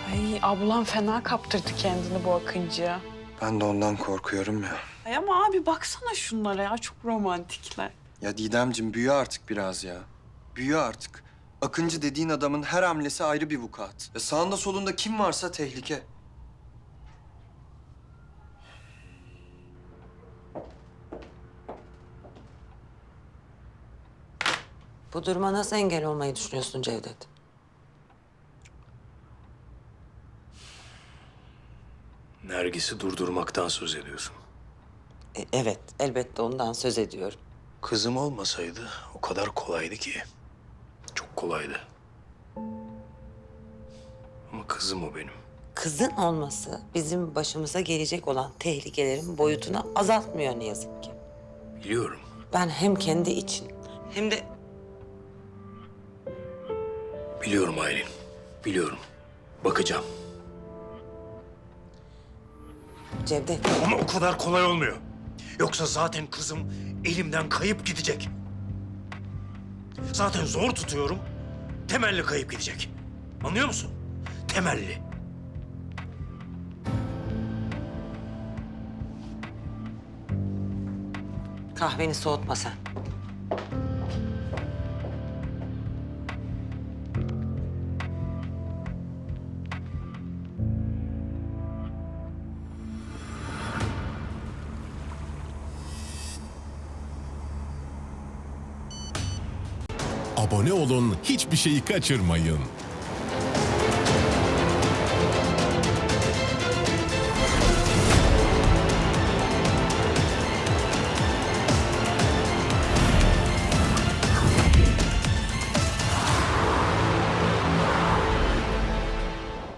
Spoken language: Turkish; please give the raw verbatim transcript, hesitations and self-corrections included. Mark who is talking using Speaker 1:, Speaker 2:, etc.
Speaker 1: Ay ablam fena kaptırdı kendini bu Akıncı'ya.
Speaker 2: Ben de ondan korkuyorum ya.
Speaker 1: Ay ama abi baksana şunlara ya, çok romantikler.
Speaker 2: Ya Didemciğim büyü artık biraz ya. Büyü artık. Akıncı dediğin adamın her hamlesi ayrı bir vukuat. Ya sağında solunda kim varsa tehlike.
Speaker 3: Bu duruma nasıl engel olmayı düşünüyorsun Cevdet?
Speaker 4: Nergis'i durdurmaktan söz ediyorsun.
Speaker 3: E, evet, elbette ondan söz ediyorum.
Speaker 4: Kızım olmasaydı o kadar kolaydı ki. Çok kolaydı. Ama kızım o benim.
Speaker 3: Kızın olması bizim başımıza gelecek olan tehlikelerin boyutunu azaltmıyor ne yazık ki.
Speaker 4: Biliyorum.
Speaker 3: Ben hem kendi için hem de
Speaker 4: Biliyorum Aylin. Biliyorum. Bakacağım.
Speaker 3: Cevdet,
Speaker 4: Ama o kadar kolay olmuyor. Yoksa zaten kızım elimden kayıp gidecek. Zaten zor tutuyorum. Temelli kayıp gidecek. Anlıyor musun? Temelli.
Speaker 3: kahveni soğutma sen.
Speaker 5: Abone olun, hiçbir şeyi kaçırmayın.